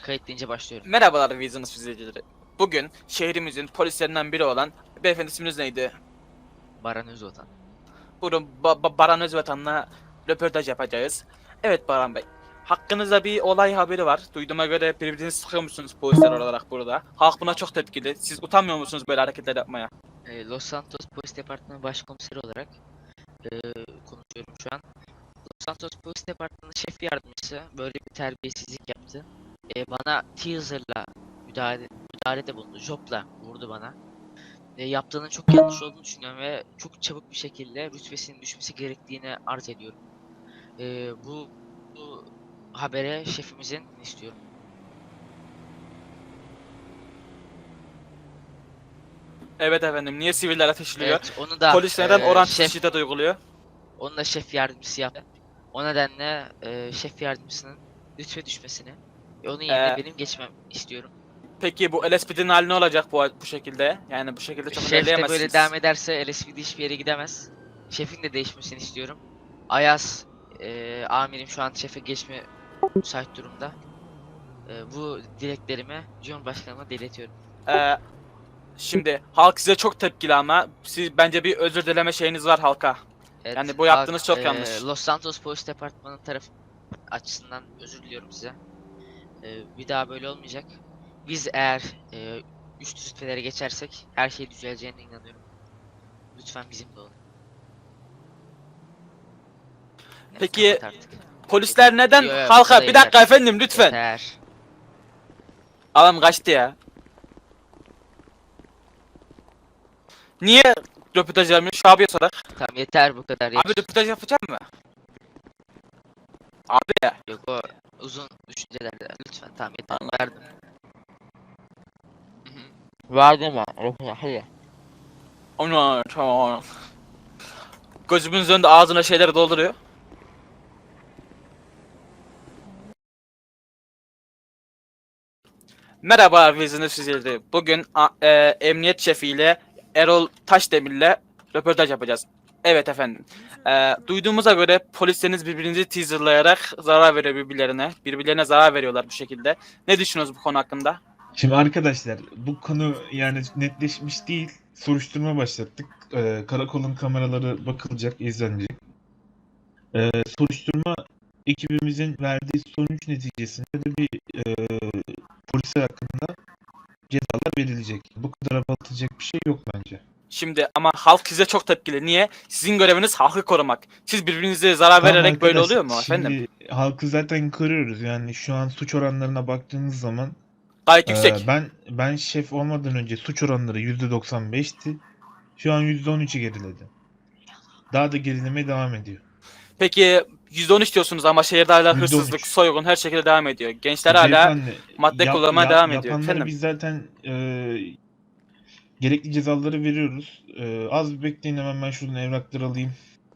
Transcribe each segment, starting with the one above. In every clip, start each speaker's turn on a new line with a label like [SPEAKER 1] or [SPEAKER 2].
[SPEAKER 1] Kayıt deyince başlıyorum.
[SPEAKER 2] Merhabalar Vizyonuz izleyicileri. Bugün şehrimizin polislerinden biri olan beyefendi isminiz neydi?
[SPEAKER 1] Baran Özvatan.
[SPEAKER 2] Buyurun Baran Özvatan'la röportaj yapacağız. Evet Baran Bey. Hakkınızda bir olay haberi var. Duyduğuma göre birbirinizi sıkıyormuşsunuz polisler olarak burada. Halk buna çok tepkili. Siz utanmıyor musunuz böyle hareketler yapmaya?
[SPEAKER 1] Los Santos Polis Departmanı Başkomiseri olarak konuşuyorum şu an. Los Santos Polis Departmanı Şef Yardımcısı böyle bir terbiyesizlik yaptı. Bana teaser'la müdahalede bulundu. Jop'la vurdu bana. Yaptığının çok yanlış olduğunu düşünüyorum ve çok çabuk bir şekilde rütbesinin düşmesi gerektiğini arz ediyorum. Bu habere şefimizin istiyorum.
[SPEAKER 2] Evet efendim. Niye siviller ateşliyor?
[SPEAKER 1] Evet, onu da
[SPEAKER 2] Polis neden orantısız
[SPEAKER 1] şef,
[SPEAKER 2] şiddet uyguluyor?
[SPEAKER 1] onu da şef yardımcısı yaptı. O nedenle şef yardımcısının rütbe düşmesini ve onun yerine benim geçmem istiyorum.
[SPEAKER 2] Peki bu LSPD'nin hali ne olacak bu şekilde? Yani bu şekilde çok
[SPEAKER 1] Şef de
[SPEAKER 2] ilerleyemezsiniz.
[SPEAKER 1] böyle devam ederse LSPD hiçbir yere gidemez. Şefin de değişmesini istiyorum. Ayaz amirim şu an şefe geçme müsait durumda. Bu dileklerimi Cumhurbaşkanıma iletiyorum.
[SPEAKER 2] Ee, Şimdi halk size çok tepkili ama siz bence bir özür dileme şeyiniz var halka.
[SPEAKER 1] Evet,
[SPEAKER 2] Yani bu yaptığınız çok
[SPEAKER 1] halk,
[SPEAKER 2] yanlış.
[SPEAKER 1] Los Santos Polis Departmanı tarafı açısından özür diliyorum size. Bir daha böyle olmayacak. Biz eğer üst rütbelere geçersek her şey düzeleceğine inanıyorum. Lütfen bizimle olun. Evet,
[SPEAKER 2] Peki
[SPEAKER 1] kapat artık.
[SPEAKER 2] polisler neden
[SPEAKER 1] Yo, yo,
[SPEAKER 2] halka
[SPEAKER 1] bu da
[SPEAKER 2] bir dakika
[SPEAKER 1] yeter.
[SPEAKER 2] efendim lütfen.
[SPEAKER 1] Yeter.
[SPEAKER 2] Adam kaçtı ya. Niye röportaj yapmıyor? Şu abiye sorar.
[SPEAKER 1] Tamam yeter bu kadar.
[SPEAKER 2] Abi röportaj yapacak mı? Abi ya.
[SPEAKER 1] Yok o uzun düşüncelerde. Lütfen tamam yeter.
[SPEAKER 2] Anladım.
[SPEAKER 1] Verdim. Verdim ben. Hadi.
[SPEAKER 2] Onu tamam. Gözümüzün önünde ağzına şeyler dolduruyor. Merhaba Vizyonuz izleyicileri. Bugün emniyet şefiyle Erol Taşdemir'le röportaj yapacağız. Evet efendim. Duyduğumuza göre polisleriniz birbirinizi teaserlayarak zarar veriyor birbirlerine. Birbirlerine zarar veriyorlar bu şekilde. Ne düşünüyorsunuz bu konu hakkında?
[SPEAKER 3] Şimdi arkadaşlar bu konu yani netleşmiş değil. Soruşturma başlattık. Karakolun kameraları bakılacak, izlenecek. Soruşturma ekibimizin verdiği sonuç neticesinde de bir polisler hakkında cezalar verilecek. Bu kadar abartılacak bir şey yok bence.
[SPEAKER 2] Şimdi ama halk size çok tepkili. Niye? Sizin göreviniz halkı korumak. Siz birbirinize zarar
[SPEAKER 3] Tamam
[SPEAKER 2] vererek böyle
[SPEAKER 3] arkadaş,
[SPEAKER 2] oluyor mu efendim?
[SPEAKER 3] Şimdi halkı zaten kırıyoruz. Yani şu an suç oranlarına baktığınız zaman
[SPEAKER 2] Gayet yüksek.
[SPEAKER 3] ben şef olmadan önce suç oranları %95'ti. Şu an %13'ü geriledi. Daha da gerilemeye devam ediyor.
[SPEAKER 2] Peki %13 diyorsunuz ama şehirde hala
[SPEAKER 3] %13.
[SPEAKER 2] hırsızlık, soygun her şekilde devam ediyor. Gençler hala
[SPEAKER 3] Beyefendi,
[SPEAKER 2] madde kullanmaya devam ediyor.
[SPEAKER 3] yapanları
[SPEAKER 2] Efendim?
[SPEAKER 3] biz zaten gerekli cezaları veriyoruz. Az bir bekleyin, hemen ben şuradan evrakları alayım.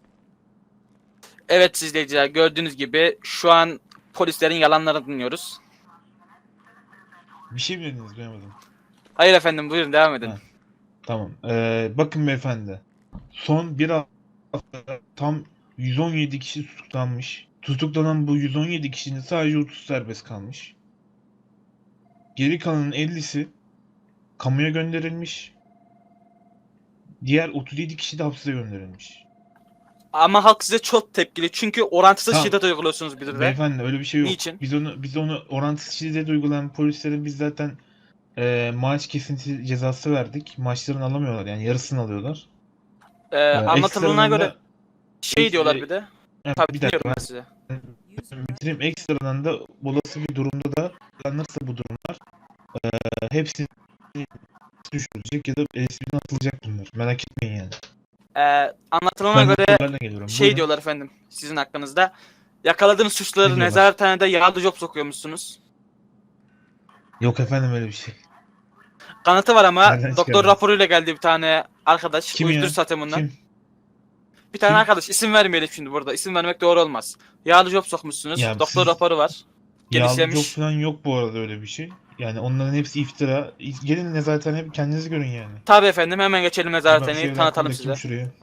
[SPEAKER 2] Evet izleyiciler gördüğünüz gibi şu an polislerin yalanlarını dinliyoruz.
[SPEAKER 3] Bir şey mi dediniz, duyamadım.
[SPEAKER 2] Hayır efendim buyurun devam edin.
[SPEAKER 3] Ha. Tamam. Bakın beyefendi. Son bir hafta tam 117 kişi tutuklanmış. Tutuklanan bu 117 kişinin sadece 30 serbest kalmış. Geri kalanın 50'si kamuya gönderilmiş. Diğer 37 kişi de hapse gönderilmiş.
[SPEAKER 2] Ama halk size çok tepkili çünkü orantısız
[SPEAKER 3] Tamam.
[SPEAKER 2] şiddet uyguluyorsunuz bir de.
[SPEAKER 3] Beyefendi öyle bir şey yok.
[SPEAKER 2] Niçin?
[SPEAKER 3] Biz onu orantısız şiddet uygulayan polislere biz zaten maaş kesinti cezası verdik. Maaşlarını alamıyorlar, yani yarısını alıyorlar.
[SPEAKER 2] Anlatıldığına
[SPEAKER 3] Ekstradan
[SPEAKER 2] göre
[SPEAKER 3] da
[SPEAKER 2] şey diyorlar bir de.
[SPEAKER 3] evet,
[SPEAKER 2] Tabii
[SPEAKER 3] bir dakika
[SPEAKER 2] dinliyorum ben size.
[SPEAKER 3] ben bitireyim. Ekstradan da olası bir durumda da planlanırsa bu durumlar hepsi düşürülecek ya da LSP'den atılacak bunlar. Merak etmeyin yani.
[SPEAKER 2] Anlatılana
[SPEAKER 3] Ben
[SPEAKER 2] göre
[SPEAKER 3] raporlarla geliyorum.
[SPEAKER 2] şey
[SPEAKER 3] Buyurun.
[SPEAKER 2] diyorlar efendim sizin hakkınızda. Yakaladığınız suçluları
[SPEAKER 3] Ne diyorlar?
[SPEAKER 2] nezarethanede yağlı job sokuyormuşsunuz.
[SPEAKER 3] Yok efendim, öyle bir şey.
[SPEAKER 2] Kanıtı var ama
[SPEAKER 3] Nereden
[SPEAKER 2] doktor
[SPEAKER 3] çıkardınız?
[SPEAKER 2] raporuyla geldi bir tane arkadaş.
[SPEAKER 3] Kim
[SPEAKER 2] Uyuşturucu
[SPEAKER 3] ya?
[SPEAKER 2] satıyor bundan.
[SPEAKER 3] Kim?
[SPEAKER 2] Bir tane
[SPEAKER 3] Kim?
[SPEAKER 2] arkadaş isim vermeyelim şimdi burada. İsim vermek doğru olmaz. Yağlı job sokmuşsunuz.
[SPEAKER 3] Ya
[SPEAKER 2] Doktor
[SPEAKER 3] siz-
[SPEAKER 2] raporu var.
[SPEAKER 3] Yağlı
[SPEAKER 2] Genişlemiş.
[SPEAKER 3] job falan yok bu arada, öyle bir şey. Yani onların hepsi iftira. Gelin zaten hep kendiniz görün yani.
[SPEAKER 2] Tabii efendim hemen geçelim
[SPEAKER 3] Ben şu
[SPEAKER 2] nezarethaneyi
[SPEAKER 3] evrakı
[SPEAKER 2] tanıtalım
[SPEAKER 3] bırakayım
[SPEAKER 2] size.
[SPEAKER 3] şuraya.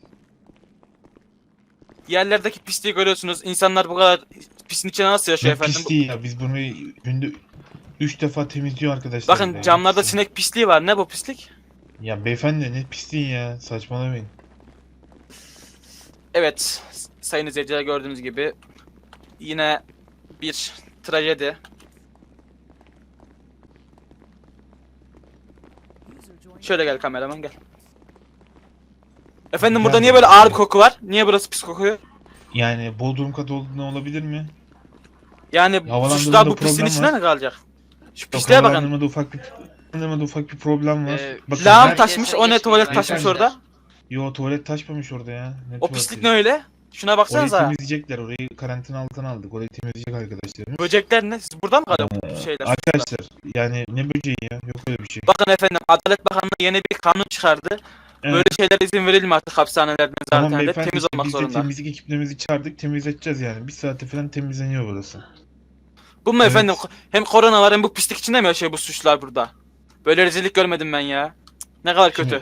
[SPEAKER 2] Yerlerdeki pisliği görüyorsunuz. İnsanlar bu kadar pisin içine nasıl yaşıyor
[SPEAKER 3] Ne
[SPEAKER 2] efendim?
[SPEAKER 3] pisliği ya, biz bunu günde 3 defa temizliyor arkadaşlar.
[SPEAKER 2] Bakın
[SPEAKER 3] burayı.
[SPEAKER 2] camlarda
[SPEAKER 3] Hepsini.
[SPEAKER 2] sinek pisliği var. Ne bu pislik?
[SPEAKER 3] Ya beyefendi ne pisliği ya, saçmalamayın.
[SPEAKER 2] Evet, sayın izleyiciler gördüğünüz gibi yine bir trajedi. Şöyle gel kameraman gel. Efendim burada
[SPEAKER 3] Gel
[SPEAKER 2] niye böyle
[SPEAKER 3] buraya.
[SPEAKER 2] ağır bir koku var? Niye burası pis kokuyor?
[SPEAKER 3] Yani Bodrum katı olduğundan olabilir mi?
[SPEAKER 2] Yani
[SPEAKER 3] Havalandırmada
[SPEAKER 2] suçlular bu
[SPEAKER 3] problem
[SPEAKER 2] pisliğin içinde
[SPEAKER 3] var.
[SPEAKER 2] mi kalacak? Şu
[SPEAKER 3] Yok,
[SPEAKER 2] pisliğe bakın.
[SPEAKER 3] havalandırmada ufak bir problem var. Bakın
[SPEAKER 2] Lağım
[SPEAKER 3] her-
[SPEAKER 2] taşmış, o ne tuvalet taşmış
[SPEAKER 3] Beyefendi.
[SPEAKER 2] orada?
[SPEAKER 3] Yo, tuvalet taşmamış orada ya. Ne
[SPEAKER 2] O
[SPEAKER 3] tuvaleti?
[SPEAKER 2] pislik ne öyle? Şuna
[SPEAKER 3] Orayı
[SPEAKER 2] baksanıza.
[SPEAKER 3] temizleyecekler. Orayı karantina altına aldık. Orayı temizleyecek arkadaşlarımız.
[SPEAKER 2] Böcekler ne? Siz burada mı kalıyor bu şeyler?
[SPEAKER 3] Arkadaşlar yani ne böceği ya? Yok öyle bir şey.
[SPEAKER 2] Bakın efendim Adalet Bakanlığı yeni bir kanun çıkardı.
[SPEAKER 3] Evet.
[SPEAKER 2] Böyle şeylere izin verilmiyor artık hapishanelerden
[SPEAKER 3] Tamam
[SPEAKER 2] zaten de
[SPEAKER 3] beyefendi,
[SPEAKER 2] temiz
[SPEAKER 3] işte
[SPEAKER 2] olmak
[SPEAKER 3] biz de
[SPEAKER 2] zorunda.
[SPEAKER 3] temizlik ekiplerimizi çağırdık, temizleteceğiz yani. Bir saate falan temizleniyor burası.
[SPEAKER 2] Bu mu
[SPEAKER 3] Evet.
[SPEAKER 2] efendim? Hem korona var hem bu pislik içinde mi yaşıyor bu suçlular burada? Böyle rezillik görmedim ben ya. Cık, ne kadar kötü.
[SPEAKER 3] Şimdi-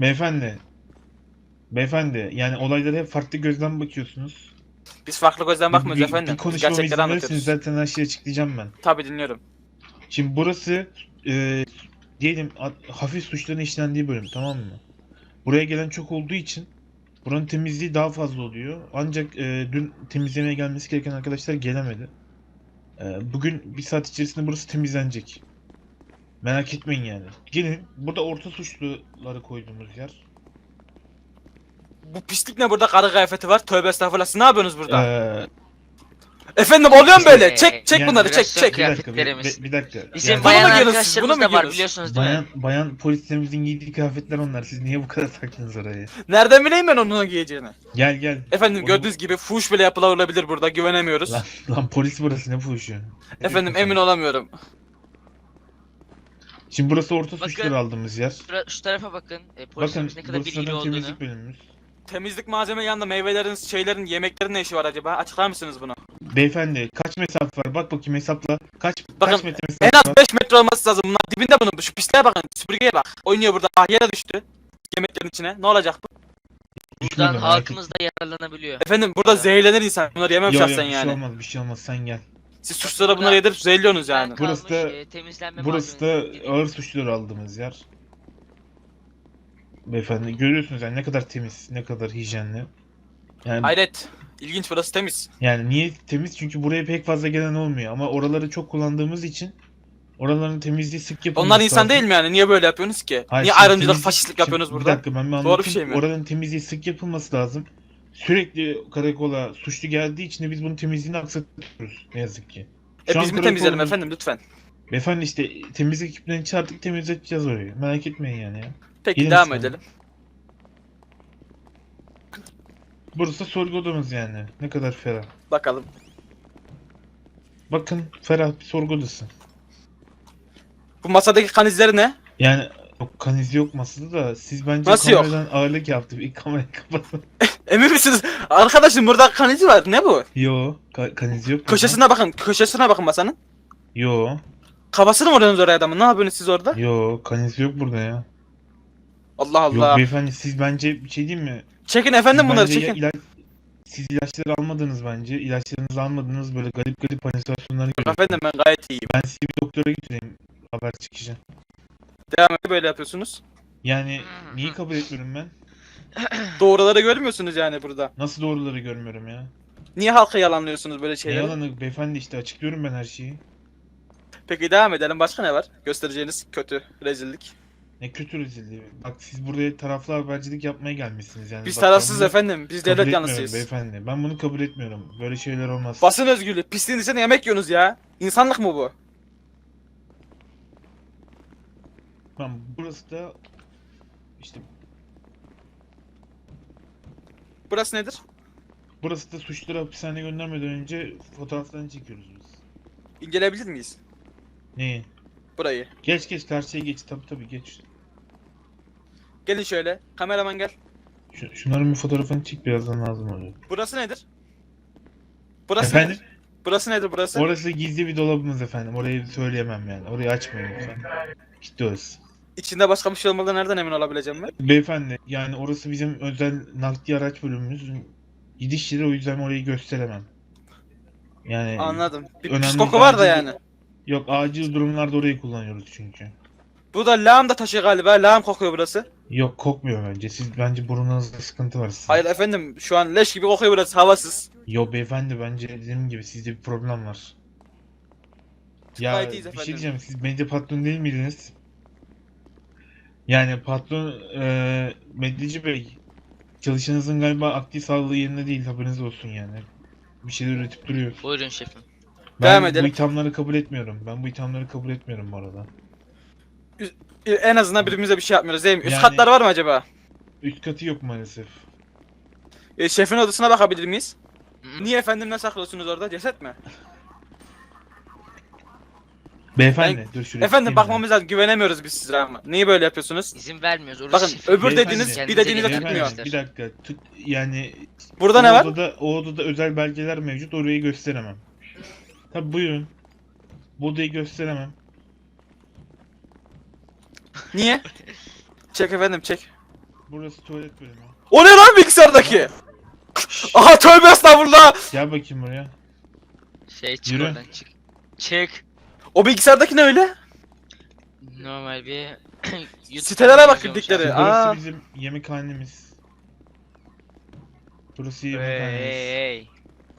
[SPEAKER 3] Beyefendi yani olaylara hep farklı gözden bakıyorsunuz.
[SPEAKER 2] Biz farklı gözden bakmıyoruz efendim.
[SPEAKER 3] Bir
[SPEAKER 2] Biz
[SPEAKER 3] konuşmama
[SPEAKER 2] gerçekleri
[SPEAKER 3] izin verirseniz
[SPEAKER 2] anlatıyoruz.
[SPEAKER 3] zaten her şeyi açıklayacağım ben.
[SPEAKER 2] Tabii dinliyorum.
[SPEAKER 3] Şimdi burası diyelim hafif suçların işlendiği bölüm, tamam mı? Buraya gelen çok olduğu için buranın temizliği daha fazla oluyor. Ancak dün temizlemeye gelmesi gereken arkadaşlar gelemedi. Bugün bir saat içerisinde burası temizlenecek. Merak etmeyin yani. Gelin, burada orta suçluları koyduğumuz yer.
[SPEAKER 2] Bu pislik ne burada? Karı kıyafeti var. Tövbe estağfurullah. Siz ne yapıyorsunuz burada?
[SPEAKER 3] Ee,
[SPEAKER 2] Efendim oluyor mu böyle?
[SPEAKER 1] Ee,
[SPEAKER 2] Çek
[SPEAKER 3] yani
[SPEAKER 2] bunları çek
[SPEAKER 1] biraz
[SPEAKER 2] çek.
[SPEAKER 3] bir dakika,
[SPEAKER 1] kıyafetlerimiz.
[SPEAKER 3] bir dakika.
[SPEAKER 1] Bizim
[SPEAKER 3] Yani
[SPEAKER 2] Buna mı
[SPEAKER 1] bayan
[SPEAKER 2] geliyorsunuz siz? Buna
[SPEAKER 1] arkadaşlarımız
[SPEAKER 2] mı
[SPEAKER 1] da var
[SPEAKER 2] geliyorsunuz?
[SPEAKER 1] biliyorsunuz değil mi?
[SPEAKER 3] bayan polislerimizin giydiği kıyafetler onlar. Siz niye bu kadar taktınız oraya?
[SPEAKER 2] Nereden bileyim ben onun giyeceğini?
[SPEAKER 3] Gel.
[SPEAKER 2] Efendim
[SPEAKER 3] Onu-
[SPEAKER 2] gördüğünüz gibi fuhuş bile yapılabilir burada. Güvenemiyoruz.
[SPEAKER 3] Lan polis burası, ne fuhuşu? Ne
[SPEAKER 2] Efendim
[SPEAKER 3] diyorsun
[SPEAKER 2] emin
[SPEAKER 3] sen?
[SPEAKER 2] olamıyorum.
[SPEAKER 3] Şimdi burası orta
[SPEAKER 1] Bakın.
[SPEAKER 3] suçları aldığımız yer.
[SPEAKER 1] Şu tarafa bakın.
[SPEAKER 3] Bakın
[SPEAKER 1] Polisimiz ne kadar
[SPEAKER 3] burası
[SPEAKER 1] bilgili
[SPEAKER 3] zaten
[SPEAKER 1] olduğunu.
[SPEAKER 3] temizlik bölümümüz.
[SPEAKER 2] Temizlik malzeme yanında meyvelerin, şeylerin, yemeklerin ne işi var acaba? Açıklar mısınız bunu?
[SPEAKER 3] Beyefendi kaç mesafe var? Bak bakayım hesapla. Kaç
[SPEAKER 2] Bakın,
[SPEAKER 3] metre
[SPEAKER 2] En
[SPEAKER 3] mesafe
[SPEAKER 2] az
[SPEAKER 3] var?
[SPEAKER 2] 5 metre olması lazım. Bunlar dibinde bunun. Şu pisliğe bakın. Süpürgeye bak. Oynuyor burada. Ah yere düştü. Yemeklerin içine. Ne olacak bu?
[SPEAKER 3] Düşmedi,
[SPEAKER 1] Buradan
[SPEAKER 3] merak
[SPEAKER 1] halkımız da yararlanabiliyor.
[SPEAKER 2] Efendim burada
[SPEAKER 1] Evet.
[SPEAKER 2] zehirlenir insan. Bunları yemem
[SPEAKER 3] Yok
[SPEAKER 2] şahsen
[SPEAKER 3] bir
[SPEAKER 2] yani.
[SPEAKER 3] şey olmaz, bir şey olmaz, sen gel.
[SPEAKER 2] Siz suçlara bunları
[SPEAKER 1] Burada-
[SPEAKER 2] yedirip zehirliyorsunuz yani.
[SPEAKER 1] Ben
[SPEAKER 3] Burası
[SPEAKER 1] kalmış,
[SPEAKER 3] da-
[SPEAKER 1] temizlenme
[SPEAKER 3] Burası da
[SPEAKER 1] malzemeleri gibi.
[SPEAKER 3] ağır suçları aldığımız yer. Beyefendi görüyorsunuz yani ne kadar temiz, ne kadar hijyenli. Yani
[SPEAKER 2] Hayret. İlginç, burası temiz.
[SPEAKER 3] niye temiz? Çünkü buraya pek fazla gelen olmuyor ama oraları çok kullandığımız için oraların temizliği sık yapılması
[SPEAKER 2] Onlar insan
[SPEAKER 3] lazım.
[SPEAKER 2] değil mi yani? Niye böyle yapıyorsunuz ki?
[SPEAKER 3] Hayır,
[SPEAKER 2] Niye
[SPEAKER 3] şimdi
[SPEAKER 2] ayrımcılık,
[SPEAKER 3] temizlik-
[SPEAKER 2] faşistlik
[SPEAKER 3] şimdi
[SPEAKER 2] yapıyorsunuz
[SPEAKER 3] Bir
[SPEAKER 2] burada?
[SPEAKER 3] dakika ben bir
[SPEAKER 2] Doğru bir
[SPEAKER 3] anlatayım.
[SPEAKER 2] şey mi?
[SPEAKER 3] Oranın temizliği sık yapılması lazım. Sürekli karakola suçlu geldiği için de biz bunun temizliğini aksatıyoruz ne yazık ki. Şu an
[SPEAKER 2] Biz mi temizleyelim
[SPEAKER 3] karakolumuz-
[SPEAKER 2] efendim lütfen?
[SPEAKER 3] Beyefendi işte temizlik ekiplerini çağırdık, temizleteceğiz orayı. Merak etmeyin yani ya.
[SPEAKER 2] Peki
[SPEAKER 3] Gelin
[SPEAKER 2] devam
[SPEAKER 3] sen.
[SPEAKER 2] edelim.
[SPEAKER 3] Burası sorgu odamız yani. Ne kadar ferah.
[SPEAKER 2] Bakalım.
[SPEAKER 3] Bakın ferah bir sorgu odası.
[SPEAKER 2] Bu masadaki kan izleri ne?
[SPEAKER 3] Yani yok, kan izi yok masada da siz bence
[SPEAKER 2] Nasıl yok?
[SPEAKER 3] kameradan ağırlık yaptı. Bir kamerayı kapatın.
[SPEAKER 2] Emin misiniz? Arkadaşım burada kan izi var. Ne bu?
[SPEAKER 3] Yo, kan izi yok. burada.
[SPEAKER 2] Köşesine bakın. Köşesine bakın masanın.
[SPEAKER 3] Yo,
[SPEAKER 2] Kafasını mı vuruyorsunuz oraya adamın? Ne yapıyorsunuz siz orada?
[SPEAKER 3] yo, kan izi yok burada ya.
[SPEAKER 2] Allah
[SPEAKER 3] Yok
[SPEAKER 2] Allah.
[SPEAKER 3] beyefendi, siz bence bir şey diyeyim mi?
[SPEAKER 2] Çekin efendim
[SPEAKER 3] Siz
[SPEAKER 2] bunları
[SPEAKER 3] bence
[SPEAKER 2] çekin.
[SPEAKER 3] siz ilaçları almadınız bence. İlaçlarınızı almadınız, böyle garip halüsinasyonlar
[SPEAKER 2] Yok
[SPEAKER 3] görüyorsunuz.
[SPEAKER 2] efendim ben gayet iyiyim.
[SPEAKER 3] Ben sizi bir doktora götüreyim haber çıkışı.
[SPEAKER 2] Devam edin böyle yapıyorsunuz.
[SPEAKER 3] Yani niye kabul etmiyorum ben?
[SPEAKER 2] Doğruları görmüyorsunuz yani burada.
[SPEAKER 3] Nasıl doğruları görmüyorum ya?
[SPEAKER 2] Niye halka yalanlıyorsunuz böyle
[SPEAKER 3] Ne
[SPEAKER 2] şeyleri?
[SPEAKER 3] yalanı beyefendi, işte açıklıyorum ben her şeyi.
[SPEAKER 2] Peki devam edelim. Başka ne var? Göstereceğiniz kötü rezillik.
[SPEAKER 3] Ne kötü rezilliği. Bak siz buraya taraflı habercilik yapmaya gelmişsiniz yani.
[SPEAKER 2] Biz
[SPEAKER 3] Bak, ben
[SPEAKER 2] tarafsız
[SPEAKER 3] bunu
[SPEAKER 2] efendim. Biz
[SPEAKER 3] kabul
[SPEAKER 2] devlet
[SPEAKER 3] etmiyorum
[SPEAKER 2] yanlısıyız.
[SPEAKER 3] beyefendi. Ben bunu kabul etmiyorum. Böyle şeyler olmaz.
[SPEAKER 2] Basın özgürlüğü. Pisliğin içinde yemek yiyorsunuz ya. İnsanlık mı bu?
[SPEAKER 3] Tamam, burası da işte
[SPEAKER 2] Burası nedir?
[SPEAKER 3] burası da suçluları hapishaneye göndermeden önce fotoğraflarını çekiyoruz biz.
[SPEAKER 2] İnceleyebilir miyiz?
[SPEAKER 3] Neyi?
[SPEAKER 2] Burayı.
[SPEAKER 3] Geç karşıya geç, tabii geç.
[SPEAKER 2] Gelin şöyle. Kameraman gel.
[SPEAKER 3] Şunların bir fotoğrafını çek, birazdan lazım oluyor.
[SPEAKER 2] Burası nedir? Burası
[SPEAKER 3] Efendim?
[SPEAKER 2] nedir? Burası nedir burası?
[SPEAKER 3] Orası gizli bir dolabımız efendim. Orayı söyleyemem yani. Orayı açmayın lütfen. Gitti orası.
[SPEAKER 2] İçinde başka bir şey olmadan nereden emin olabileceğim ben?
[SPEAKER 3] Beyefendi yani orası bizim özel nakliye araç bölümümüz. Gidiş yeri, o yüzden orayı gösteremem. Yani
[SPEAKER 2] Anladım. Bir
[SPEAKER 3] önemli
[SPEAKER 2] pis koku var da
[SPEAKER 3] bence
[SPEAKER 2] yani.
[SPEAKER 3] Yok, acil durumlarda orayı kullanıyoruz çünkü.
[SPEAKER 2] Bu da lağım da taşı galiba. Lağım kokuyor burası.
[SPEAKER 3] Yok, kokmuyor bence. Siz bence burnunuzda sıkıntı var sizin.
[SPEAKER 2] Hayır efendim, şu an leş gibi kokuyor burası, havasız.
[SPEAKER 3] Yo beyefendi, bence dediğim gibi sizde bir problem var. Ya
[SPEAKER 2] Gayet iyiyiz
[SPEAKER 3] bir şey
[SPEAKER 2] efendim.
[SPEAKER 3] diyeceğim, siz medya patron değil miydiniz? Yani patron Medyacı Bey, çalışanınızın galiba akli sağlığı yerinde değil, haberiniz olsun yani. Bir şeyler üretip duruyor.
[SPEAKER 1] Buyurun şefim.
[SPEAKER 2] Devam
[SPEAKER 3] Ben bu
[SPEAKER 2] edelim.
[SPEAKER 3] ithamları kabul etmiyorum. Ben bu ithamları kabul etmiyorum bu arada.
[SPEAKER 2] En azından birbirimize bir şey yapmıyoruz değil mi? Üst
[SPEAKER 3] Yani-
[SPEAKER 2] katlar var mı acaba?
[SPEAKER 3] Üst katı yok maalesef.
[SPEAKER 2] Şefin odasına bakabilir miyiz?
[SPEAKER 1] Hı.
[SPEAKER 2] Niye efendim, ne saklıyorsunuz orada? Ceset mi?
[SPEAKER 3] Beyefendi dur şuraya
[SPEAKER 2] Efendim
[SPEAKER 3] çıkayım
[SPEAKER 2] bakmamız lazım. Güvenemiyoruz biz size ama. Niye böyle yapıyorsunuz?
[SPEAKER 1] İzin vermiyoruz. Orası
[SPEAKER 2] Bakın,
[SPEAKER 1] şefim.
[SPEAKER 2] öbür
[SPEAKER 3] Beyefendi,
[SPEAKER 2] dediğiniz bir
[SPEAKER 1] Kendinize
[SPEAKER 2] dediğinize
[SPEAKER 1] gelin
[SPEAKER 2] tutmuyor.
[SPEAKER 1] arkadaşlar.
[SPEAKER 3] Bir dakika. Yani
[SPEAKER 2] Burada ne var?
[SPEAKER 3] o odada özel belgeler mevcut. Orayı gösteremem. Tabi buyurun. Bu odayı gösteremem.
[SPEAKER 2] Niye? Çek efendim, çek.
[SPEAKER 3] Burası tuvalet bölümü.
[SPEAKER 2] O ne lan bilgisayardaki? Aha, tövbe estağfurullah.
[SPEAKER 3] Gel bakayım buraya.
[SPEAKER 1] Çık
[SPEAKER 3] Yürü.
[SPEAKER 1] oradan çık. Çık.
[SPEAKER 2] O bilgisayardaki ne öyle?
[SPEAKER 1] Normal bir YouTube
[SPEAKER 2] Sitelere bak,
[SPEAKER 1] izliyormuş
[SPEAKER 2] girdikleri.
[SPEAKER 1] abi.
[SPEAKER 3] Burası
[SPEAKER 2] Aa.
[SPEAKER 3] bizim yemekhanemiz. Burası
[SPEAKER 1] Hey,
[SPEAKER 3] yemekhanemiz.
[SPEAKER 1] hey, hey.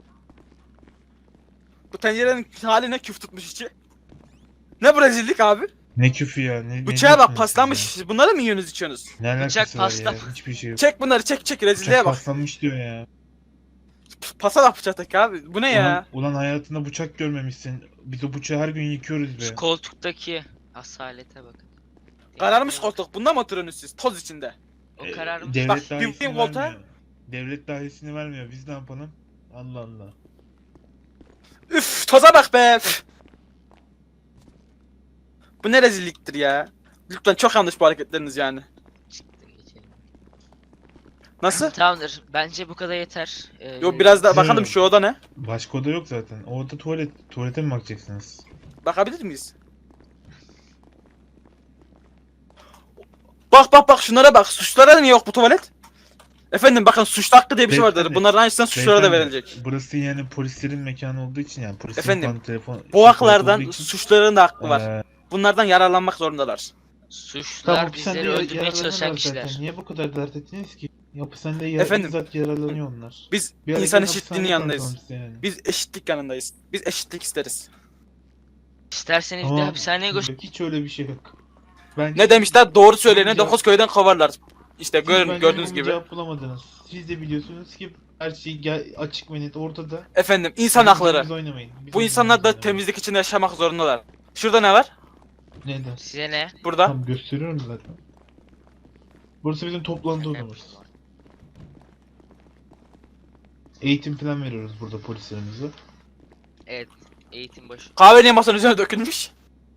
[SPEAKER 2] Bu tencerenin hali ne, küf tutmuş içi. Ne bu rezillik abi?
[SPEAKER 3] Ne küfü ya? Ne
[SPEAKER 2] Bıçağa
[SPEAKER 3] diyorsunuz
[SPEAKER 2] bak,
[SPEAKER 3] siz
[SPEAKER 2] paslanmış.
[SPEAKER 3] ya?
[SPEAKER 2] Siz bunları mı yiyorsunuz, içiyorsunuz?
[SPEAKER 3] Ne alakası
[SPEAKER 1] Bıçak
[SPEAKER 3] var ya?
[SPEAKER 1] paslan-
[SPEAKER 3] Hiçbir şey yok.
[SPEAKER 2] Çek bunları, çek rezilliğe
[SPEAKER 3] Bıçak
[SPEAKER 2] bak.
[SPEAKER 3] paslanmış diyor ya.
[SPEAKER 2] Pasa bak bıçaktaki abi. Bu ne ya?
[SPEAKER 3] Ulan hayatında bıçak görmemişsin. Biz o bıçağı her gün yıkıyoruz be.
[SPEAKER 1] Şu koltuktaki asalete bakın.
[SPEAKER 2] Kararmış koltuk. Bunda mı oturuyorsunuz siz? Toz içinde.
[SPEAKER 1] O kararmış.
[SPEAKER 3] Devlet
[SPEAKER 2] Bak,
[SPEAKER 3] dairesini
[SPEAKER 2] bir volta-
[SPEAKER 3] vermiyor. Devlet dairesini vermiyor. Biz ne yapalım? Allah Allah.
[SPEAKER 2] Üf, toza bak be. Üf. Bu ne rezilliktir ya? Lütfen, çok yanlış bu hareketleriniz yani. Nasıl?
[SPEAKER 1] Tamamdır. Bence bu kadar yeter.
[SPEAKER 2] Yo, biraz daha
[SPEAKER 3] Hı.
[SPEAKER 2] bakalım şu oda ne?
[SPEAKER 3] Başka oda yok zaten. O oda tuvalet. Tuvalete mi bakacaksınız?
[SPEAKER 2] Bakabilir miyiz? Bak şunlara bak. Suçlara niye yok bu tuvalet? Efendim bakın, suçlu hakkı diye bir şey vardır.
[SPEAKER 3] Beyefendi,
[SPEAKER 2] Bunların aynısından suçlulara da
[SPEAKER 3] Beyefendi,
[SPEAKER 2] verilecek.
[SPEAKER 3] Burası yani polislerin mekanı olduğu için, yani polislerin
[SPEAKER 2] Efendim,
[SPEAKER 3] falan telefon...
[SPEAKER 2] Bu
[SPEAKER 3] tuvalet
[SPEAKER 2] haklardan
[SPEAKER 3] olduğu için,
[SPEAKER 2] suçluların da hakkı var.
[SPEAKER 3] eee,
[SPEAKER 2] Bunlardan yararlanmak zorundalar.
[SPEAKER 1] Suçlular
[SPEAKER 3] hapishanede
[SPEAKER 1] bizleri öldürmeye
[SPEAKER 3] yararlanıyorlar
[SPEAKER 1] çalışan
[SPEAKER 3] zaten.
[SPEAKER 1] kişiler.
[SPEAKER 3] Niye bu kadar dert ettiniz ki? Hapishanede
[SPEAKER 2] Efendim,
[SPEAKER 3] bizzat yararlanıyor onlar.
[SPEAKER 2] Biz
[SPEAKER 3] Bir ara
[SPEAKER 2] insan
[SPEAKER 3] gelin
[SPEAKER 2] eşitliğinin
[SPEAKER 3] hapishaneye
[SPEAKER 2] yanındayız.
[SPEAKER 3] bırakalım size yani.
[SPEAKER 2] Biz eşitlik yanındayız. Biz eşitlik isteriz.
[SPEAKER 1] İsterseniz bir de
[SPEAKER 3] Tamam,
[SPEAKER 1] hapishaneye götür.
[SPEAKER 3] yok, hiç öyle bir şey yok. Bence
[SPEAKER 2] Ne demişler? Doğru söyleyene
[SPEAKER 3] Cevap-
[SPEAKER 2] 9 köyden kovarlar. İşte
[SPEAKER 3] siz
[SPEAKER 2] görün,
[SPEAKER 3] bence
[SPEAKER 2] gördüğünüz
[SPEAKER 3] bunun
[SPEAKER 2] gibi.
[SPEAKER 3] cevap bulamadınız. Siz de biliyorsunuz ki her şey açık ve net ortada.
[SPEAKER 2] Efendim, insan
[SPEAKER 3] Bizim
[SPEAKER 2] hakları.
[SPEAKER 3] oyunumuzu oynamayın. Bizim
[SPEAKER 2] Bu insanlar da
[SPEAKER 3] oyunumuzu oynamayın.
[SPEAKER 2] temizlik içinde yaşamak zorundalar. Şurada ne var?
[SPEAKER 3] Neden?
[SPEAKER 1] Size ne?
[SPEAKER 2] Burada.
[SPEAKER 3] Tam gösteriyorum zaten. Burası bizim toplantı odamız. Eğitim falan veriyoruz burada polislerimize.
[SPEAKER 1] Evet. Eğitim başı.
[SPEAKER 2] Kahve niye masanın üzerine dökülmüş?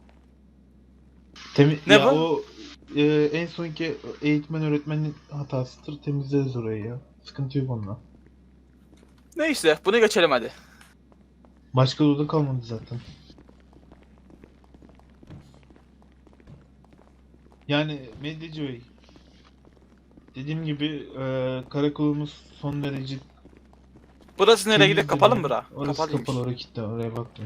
[SPEAKER 2] Ne
[SPEAKER 3] ya
[SPEAKER 2] bu?
[SPEAKER 3] o en sonki eğitmen öğretmenin hatasıdır. Temizleriz orayı ya. Sıkıntı yok onunla.
[SPEAKER 2] Neyse, bunu geçelim hadi.
[SPEAKER 3] Başka oda kalmadı zaten. Yani Medyacı Bey, dediğim gibi karakolumuz son derece
[SPEAKER 2] Burası nereye gidiyor?
[SPEAKER 3] temizdir
[SPEAKER 2] Kapalı mı
[SPEAKER 3] yani.
[SPEAKER 2] bura?
[SPEAKER 3] Orası
[SPEAKER 2] Kapalıymış.
[SPEAKER 3] kapalı, oraya kilitli, oraya baktım.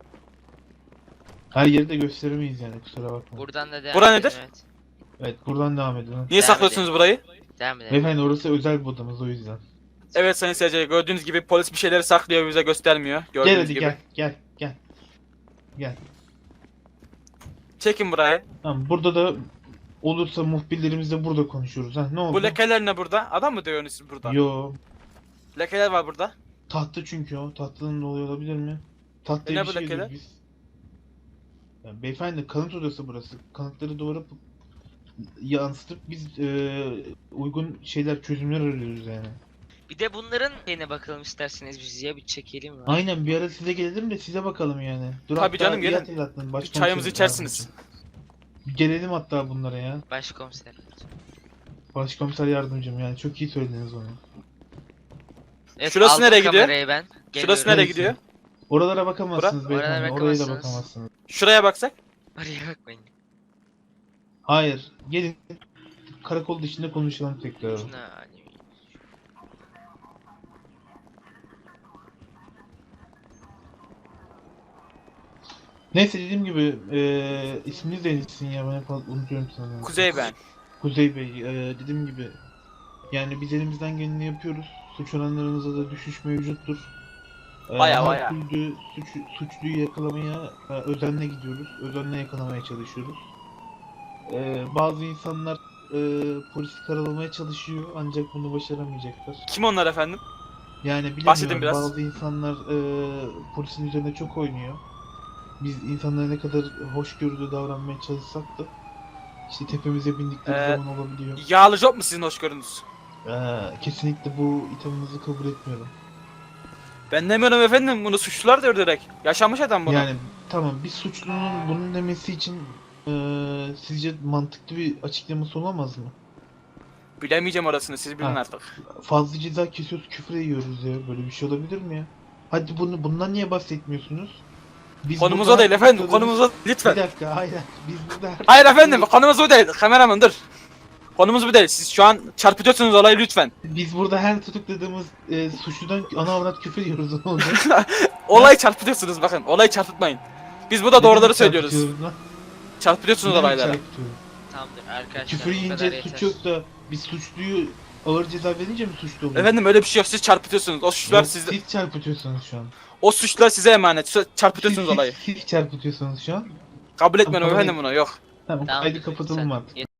[SPEAKER 3] Her yeri de gösteremeyiz yani, kusura bakma.
[SPEAKER 1] Buradan da devam
[SPEAKER 2] Bura
[SPEAKER 1] edelim,
[SPEAKER 2] nedir?
[SPEAKER 1] Evet.
[SPEAKER 3] Evet, buradan devam edelim.
[SPEAKER 2] Niye
[SPEAKER 1] Devam
[SPEAKER 2] saklıyorsunuz burayı?
[SPEAKER 1] Devam edelim.
[SPEAKER 3] Beyefendi, orası özel bir odamız, o yüzden.
[SPEAKER 2] Evet sayın seyirciler, gördüğünüz gibi polis bir şeyleri saklıyor, bize göstermiyor. Gördüğünüz
[SPEAKER 3] Gel hadi,
[SPEAKER 2] gibi.
[SPEAKER 3] gel.
[SPEAKER 2] Çekin burayı.
[SPEAKER 3] Tamam, burada da olursa muhbirlerimizle burada konuşuyoruz. Ha, ne oldu?
[SPEAKER 2] Bu lekeler ne burada? Adam mı dövüyorsunuz siz burada?
[SPEAKER 3] Yo,
[SPEAKER 2] Lekeler var burada.
[SPEAKER 3] tahta çünkü o. Tahtanın dolayı olabilir mi? Tahtaya
[SPEAKER 2] Ne
[SPEAKER 3] bir
[SPEAKER 2] bu
[SPEAKER 3] şey
[SPEAKER 2] lekeler?
[SPEAKER 3] yazıyoruz biz. Ya beyefendi, kanıt odası burası. Kanıtları duvara yansıtıp biz uygun şeyler, çözümler arıyoruz yani.
[SPEAKER 1] Bir de bunların şeyine bakalım isterseniz biz ya bir çekelim mi?
[SPEAKER 3] Aynen, bir ara size gelelim de size bakalım yani. Dur,
[SPEAKER 2] Tabii
[SPEAKER 3] hatta
[SPEAKER 2] canım,
[SPEAKER 3] iyi
[SPEAKER 2] gelin.
[SPEAKER 3] hatırlattın,
[SPEAKER 2] Bir
[SPEAKER 3] başkomiserim
[SPEAKER 2] çayımızı içersiniz.
[SPEAKER 3] yardımcım. Bir gelelim hatta bunlara ya.
[SPEAKER 1] Başkomiser.
[SPEAKER 3] Başkomiser yardımcım, yani çok iyi söylediniz onu.
[SPEAKER 1] Evet,
[SPEAKER 2] Şurası
[SPEAKER 1] aldım
[SPEAKER 2] nereye gidiyor?
[SPEAKER 1] kamerayı ben.
[SPEAKER 2] Şurası
[SPEAKER 1] Geliyorum.
[SPEAKER 2] nereye
[SPEAKER 3] Neyse.
[SPEAKER 2] gidiyor?
[SPEAKER 3] Oralara bakamazsınız
[SPEAKER 1] Oraya
[SPEAKER 3] beyefendi. Oraya da
[SPEAKER 1] bakamazsınız.
[SPEAKER 3] bakamazsınız.
[SPEAKER 2] Şuraya baksak.
[SPEAKER 1] Oraya bakmayın.
[SPEAKER 3] Hayır. Gelin karakol dışında konuşalım tekrar.
[SPEAKER 1] Şuna hani
[SPEAKER 3] Neyse dediğim gibi isminiz de Enis'in ya ben hep unutuyorum sana.
[SPEAKER 2] Kuzey ben.
[SPEAKER 3] Kuzey Bey dediğim gibi yani biz elimizden geleni yapıyoruz. Suç oranlarımızda da düşüş mevcuttur.
[SPEAKER 2] Baya
[SPEAKER 3] Her
[SPEAKER 2] baya.
[SPEAKER 3] türlü suçluyu yakalamaya özenle gidiyoruz. Özenle yakalamaya çalışıyoruz. Bazı insanlar polisi karalamaya çalışıyor ancak bunu başaramayacaklar.
[SPEAKER 2] Kim onlar efendim?
[SPEAKER 3] Yani
[SPEAKER 2] Bahsedin
[SPEAKER 3] bilemiyorum
[SPEAKER 2] biraz.
[SPEAKER 3] bazı insanlar polisin üzerine çok oynuyor. Biz insanlara ne kadar hoşgörülü davranmaya çalışsak da işte tepemize bindikleri
[SPEAKER 2] Ee,
[SPEAKER 3] zaman olabiliyor.
[SPEAKER 2] Yağlı job mu sizin hoşgörünüz?
[SPEAKER 3] Kesinlikle bu ithamınızı kabul etmiyorum.
[SPEAKER 2] Ben demiyorum efendim, bunu suçlular diyor direkt. Yaşanmış adam bunu.
[SPEAKER 3] Yani tamam bir suçlunun bunun demesi için sizce mantıklı bir açıklaması olamaz mı?
[SPEAKER 2] Bilemeyeceğim orasını, siz bilin
[SPEAKER 3] Ha.
[SPEAKER 2] artık.
[SPEAKER 3] Fazla ceza kesiyoruz, küfür yiyoruz ya. Böyle bir şey olabilir mi ya? Hadi bundan niye bahsetmiyorsunuz? Biz
[SPEAKER 2] Konumuz
[SPEAKER 3] burada
[SPEAKER 2] o değil
[SPEAKER 3] her
[SPEAKER 2] efendim,
[SPEAKER 3] tutukladığımız-
[SPEAKER 2] konumuz o lütfen.
[SPEAKER 3] Bir dakika, hayır. Biz burada her
[SPEAKER 2] Hayır efendim, konumuz bu değil. Kameraman dur. Konumuz bu değil. Siz şu an çarpıtıyorsunuz olayı lütfen.
[SPEAKER 3] Biz burada her tutukladığımız suçludan ana avrat küfür yiyoruz ne olacak?
[SPEAKER 2] Olayı çarpıtıyorsunuz bakın. Olayı çarpıtmayın. Biz burada
[SPEAKER 3] Ne
[SPEAKER 2] doğruları
[SPEAKER 3] demek
[SPEAKER 2] söylüyoruz.
[SPEAKER 3] çarpıtıyoruz lan?
[SPEAKER 2] Çarpıtıyorsunuz
[SPEAKER 3] Ne demek
[SPEAKER 2] olayları.
[SPEAKER 3] çarpıtıyoruz?
[SPEAKER 1] Tamamdır arkadaşlar.
[SPEAKER 3] Küfür
[SPEAKER 1] bu kadar
[SPEAKER 3] yiyince
[SPEAKER 1] yeter.
[SPEAKER 3] suç yok da biz suçluyu ağır ceza verince mi suçlu oluyor?
[SPEAKER 2] Efendim öyle bir şey yok. Siz çarpıtıyorsunuz. O suçlular
[SPEAKER 3] Yok,
[SPEAKER 2] sizde.
[SPEAKER 3] siz çarpıtıyorsunuz şu an.
[SPEAKER 2] O suçlular size emanet. Çarpıtıyorsunuz olayı.
[SPEAKER 3] Siz çarpıtıyorsunuz şu an.
[SPEAKER 2] Kabul etmiyorum
[SPEAKER 3] Tamam,
[SPEAKER 2] efendim bunu. Yok.
[SPEAKER 3] Tamam,
[SPEAKER 1] Tamamdır,
[SPEAKER 3] kaydı kapatalım
[SPEAKER 1] sen-
[SPEAKER 3] artık.